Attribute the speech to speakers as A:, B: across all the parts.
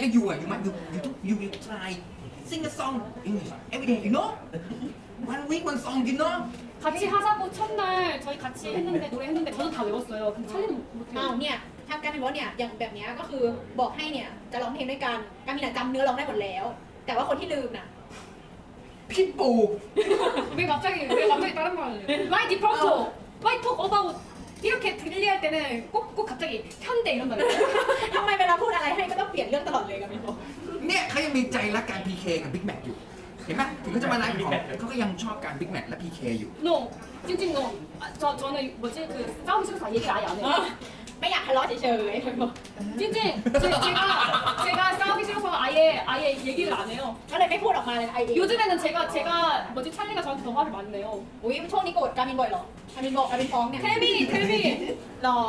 A: like you you will try sing a song English every day you know one song you know
B: 같이 하자고 첫날 저희 같이 했는데 노래했는데 저도 다 외웠어요. 근데 찰리는
C: เอา
B: 못해요.
C: เนี่ยทำการเป็นว่าเนี่ยอย่างแบบเนี้ยก็คือบอกให้เนี่ยจะร้องเพลงด้วยกันการมีน่ะจำเนื้อร้องได้หมดแล้ว แต่ว่าคนที่ลืมน่ะ
A: พี่ปู
B: 왜 갑자기 다른 말을 해요? Why default? Why talk about 이렇게 들리할 때는 꼭 갑자기 현대 이런 말을 해요?
C: ทำไมเวลาพูดอะไรให้ก็ต้องเปลี่ยนเรื่องตลอดเลยกันพี่บอก
A: เนี่ยเขายังมีใจรักการ PK กับ Big Mac อยู่เห็นไหมถึงเขาจะมาไลฟ์ของเขาก็ยังชอบการ Big Mac และ PK อยู่
B: No, 찡찡 no. 저는 뭐지 그 싸움 싫어서 얘기를 아예 안 해요.
C: ไม่อยากทะเลาะเฉยๆพี่บอก
B: 찡찡 제가 싸우기 싫어서 아예 얘기를 안 해요.
C: ก็เลยไม่พูดออกมาเลยไอเดีย
B: 요즘에는 제가 뭐지 찰리가 저한테 더 화를 많이 내요.
C: อุ้ยช่วงนี้โกรธการมินบ่อยเหรอการมินบอกการมินฟ้องเนี่ย
B: 텔미
C: หรอ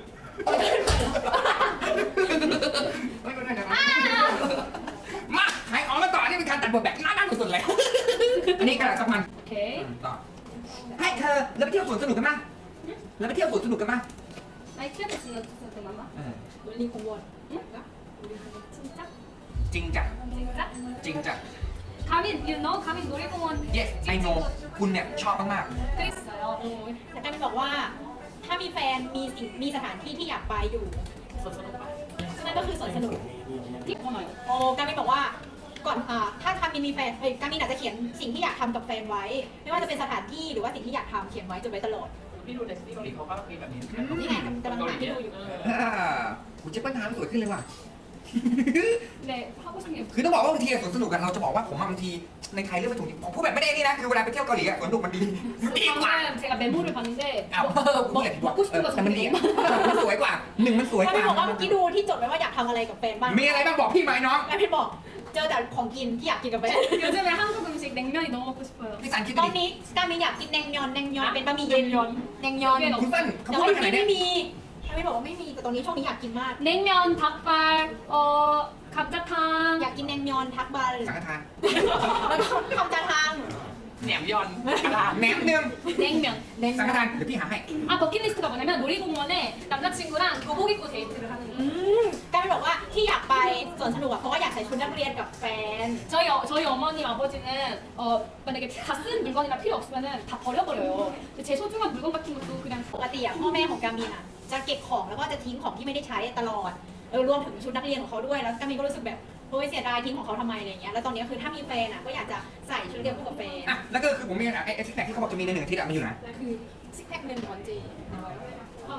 A: มาขายของมาต่อนี่เป็นการตัดบทแบบน่าสุดๆเลยอันนี้กระดาษสักมัน
B: 오케이.
A: ต่อให้เธอเราไปเที่ยวสวนสนุกกันมั้ยเราไปเที่ยวสวนสนุกกันมั้ย
B: 아이 키아트 쓰는 mamma.
C: วันนี้คงวน
B: 진짜?
A: จริงจัง
B: 진짜?
A: จริงจัง
B: 가민, you know 가민 놀이공원
A: yes I know คุณเนี่ยชอบมาก
B: 그랬어요.
C: แต่การมินบอกว่าถ้ามีแฟนมีสถานที่ที่อยากไปอยู่นั่นก็คือสวนสนุก
B: 이거나요.
C: โอ้การมินบอกว่าก่อนถ้าการมินมีแฟนการมินอาจจะเขียนสิ่งที่อยากทำกับแฟนไว้ ไม่ว่าจะเป็นสถานที่หรือว่าสิ่งที่อยากทำเขียนไว้จดไว้ตลอด
D: พี่ดูในซีรีส์เกาหลีเขาก็มีแบบนี้
C: นี่ไงกำลังหาที่ดูอยู่
A: ๆคุณเจ๊ปัญหาสวยขึ้นเลยว่ะ
B: 네, 하고 싶은 게
A: คือต้องบอกว่าบางทีสวนสนุกกันเราจะบอกว่าผมบางทีในไทยเรื่องไม่ถูกจริงผมพูดแบบไม่ได้นี่นะคือเวลาไปเที่ยวเกาหลีอะสวนสนุกมันดีดีกว่า
B: 방금 제가 메모를 봤는데
A: อ้าวพูดอย่างที่บอก
B: 먹고 싶은 거
A: แต่มันดี
B: 정리해요.
A: มันสวยกว่าหนึ่งมันสวย
C: การ
A: ก
C: มิ
A: ว่าน
C: บอกว่าเมื่อกี้ดูที่จดไว้ว่าอยากทำอะไรกับแฟนบ้าง
A: มีอะไรบ้างบอกพี่ไหมน้อง
C: การมินบอกเจอแต่ของกินที่อยากกินกับแฟน
B: 요즘에 한국 음식 냉면이 너무 먹고 싶어요.
A: พี่สันคิด
C: ต
A: ดู
C: อน
A: ดิ
C: นี้การมินอยากกินแนงยอนเป็นบะหมี่เย็นแนงยอน
A: คุณเปิ้ลเขา
C: แต่
A: พูด
C: ว่า
A: ไปขนาด
C: ที่
A: เนี้
C: ไม่
A: ย
C: มีการมินบอกว่าไม่มีแต่ตอนนี้ช่วงนี้อยากกินมาก
B: 냉면, 닭발, 감자탕.
C: อยากกินแนงยอนทักบาล
A: สังฆทาน
C: แล้วก็คำจาทาง
D: แหนมยอนกระดาษ
A: แหนมเนือง
B: 냉면.
A: สังฆทานเดี๋ยวพี่หาให้
B: 아 버킷리스트가 뭐냐면 놀이공원에 남자친구랑 교복 입고 데이트를 하는
C: อื
B: 거예요.
C: มการมินบอกว่าที่อยากไปสวนสนุกอะเพราะว่าอยากใส่ชุดนักเรียนกับแฟน
B: 저희 어머님 아버지는 만약에 다 쓴 물건이나 필요 없으면은 다 버려버려요. 근데 제 소중한 물건 같은 것도 그냥
C: ปกติอะพ่อแม่ของการมินอะจะเก็บของแล้วก็จะทิ้งของที่ไม่ได้ใช้ตลอดรวมถึงชุดนักเรียนของเขาด้วยแล้วการมินก็รู้สึกแบบโอ้ยเสียดายทิ้งของเขาทำไมอะไรเงี้ยแล้วตอนนี้คือถ้ามีแฟนอะก็อยากจะใส่ชุดนักเรียนคู่กับแฟน
A: อ่ะแล้วก็คือผมมีไอ้ซิกแพคที่เขาบอกจะมีในหนึ่งอาทิตย์อะมันอยู่ไหน
C: คือซิกแพคหนึ่งก่อนจี
B: 어,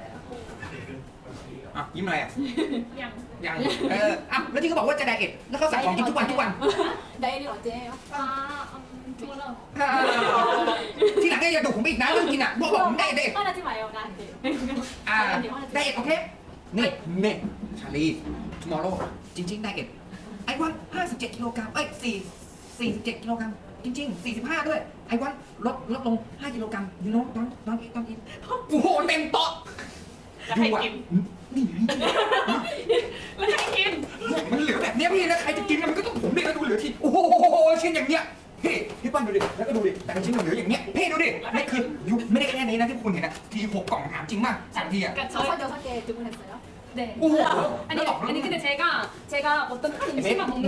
A: อ่ะยิ้มอะไรอ่ะ
B: 그냥
A: ยังอ่ะแล้วที่เขาบอกว่าจะไดเอทแล้วเขาสั่งของกินทุกวัน
C: ได้หรอเจ๊
B: 뭐라
A: ทีหลังเนี่ยอย่าดุผมอีกนะเรื่องกินอ่ะบอกผมได้เด็ด
C: ก็น่าจะหมายเอานะเจ๊
A: ไดเอทโอเคนี่ชาลี tomorrow จริงๆไดเอทไอ้วัน57กิโลกรัม47กิโลกรัมจริงๆ45ด้วยไอ้วันลดลง5กิโลกรัมยูโน่ต้องกินโอ้โหเต็มโต๊ะ
D: จะให้กิน
A: นี่
B: 왜 하긴
A: มันเหลือแบบเนี้ยพี่แล้วใครจะกินมันก็ต้องผมดิแล้วดูเหลือทีโอ้โหชิ้นอย่างเนี้ยพี่ปั้นดูดิแล้วก็ดูดิแต่ละชิ้นมันเหลืออย่างเนี้ยพี่ดูดินี่คือยุไม่ได้แค่นี้นะที่คุณเห็นนะที6กล่องถามจริงมากสั่งทีอ่ะ
B: 그러니까
C: เขา
B: 저
C: เจ๊จุ๊บมันเสร็จแล้ว
B: 네.
A: 오!
B: 아니 근데 제가 어떤 한 음식만 먹는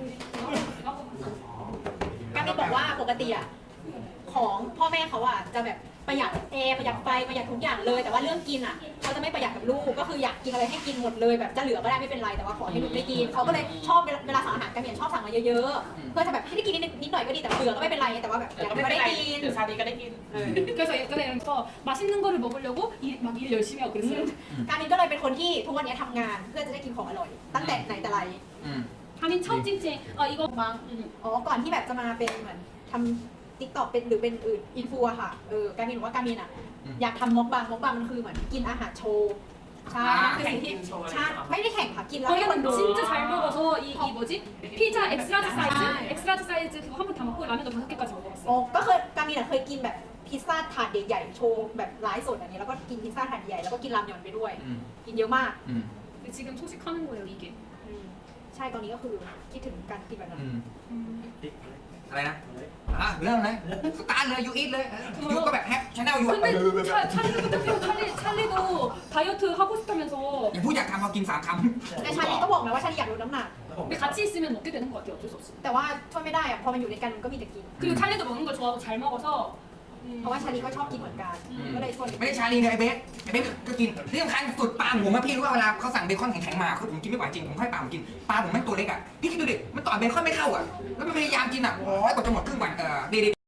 C: การมินบอกว่าปกติอะของพ่อแม่เขาอะจะแบบประหยัดแอร์ประหยัดไฟประหยัดทุกอย่างเลยแต่ว่าเรื่องกินอะเขาจะไม่ประหยัดกับลูกก็คืออยากกินอะไรให้กินหมดเลยแบบจะเหลือก็ได้ไม่เป็นไรแต่ว่าขอให้ลูกได้กินเขาก็เลยชอบเวลาสั่งอาหารการมินชอบสั่งมาเยอะๆเพื่อจะแบบให้ได้กินนิดหน่อยก็ดีแต่เบื่อก็ไม่เป็นไรแต่ว่าแบบอยาก
D: ไม่
C: ไม่
D: เป็น
C: ได้
D: ไร
C: กิน
D: เดี๋ยวชาลีก็ได้กิน
B: 그래서 예전에 그래서 맛있는 거를 먹으려고 막 일 열심히 하고 그랬어요.
C: การมินก็เลยเป็นคนที่ทุกวันนี้ทำงานเพื่อจะได้กินของอร่อยตั้งแต่ไหนแต่ไร
B: 가민 첫 찡찡 이거 막
C: อ๋อก่อนที่แบบจะมาเป็นเหมือนทำติ๊กต็อกเป็นหรือเป็นอื่นอินฟูอะค่ะการมินบอกว่าการมินอะอยากทำม็อกบังมันคือเหมือนกินอาหารโชว์ใช่คือสิ่งที่ใช่ไม่ได้แข่งค่ะกินแล้วให้คน
B: 저희는
C: ดู
B: 진짜 잘 먹어서 이 뭐지 피자 엑스라지 사이즈 그거 한 번 다 먹고 라면도 5개까지 먹어봤어요.
C: โอ้ก็เคยการมินอะเคยกินแบบพิซซ่าถาดใหญ่ๆโชว์แบบไลฟ์สดอันนี้แล้วก็กินพิซซ่าถาดใหญ่แล้วก็กินรามยอนไปด้วย กินเยอะมาก
B: 근데 지금 소식하는 거예요 이게.
C: ใช่ตอนนี้ก็คือคิดถึงการกินแบบนั้น
A: อะไรนะเริ่มเลยสตาร์ทเลยยูอีทเลยยูก็แบบแฮปชาแนลยู
B: 근데 찰리도 똑같아요. 찰리도 다이어트 하고 싶다면서.
A: อย่าพูดอยากทำเอากิน3 คำ
C: แต่ชาลีก็บอกนะว่าชาลีอยากลดน้ำหนัก
B: 근데 같이 있으면 먹게 되는 것 같아요. 어쩔 수 없이.
C: แต่ว่าช่วยไม่ได้อะพอมันอยู่ด้วยกันมันก็มีแต่กิน
B: 그리고 찰리도 먹는 걸 좋아하고 잘 먹어서.
C: เพราะว่าชาลีก็ชอบกินเหมือนกัน ก็เลยชวน
A: ไม่ได้ชาลีเลยไอ้เบสก็กินที่สำคัญสุดปลาผมอะพี่รู้ว่าเวลาเขาสั่งเบคอนแข็งๆมาคือผมกินไม่ไหวจริงผมให้ปลาผมกินปลาผมแม่งตัวเล็กอะพี่คิดดูดิมันต่อเบคอนไม่เข้าอะแล้วมันพยายามกินอะโอ้ยกว่าจะหมดครึ่งวันดี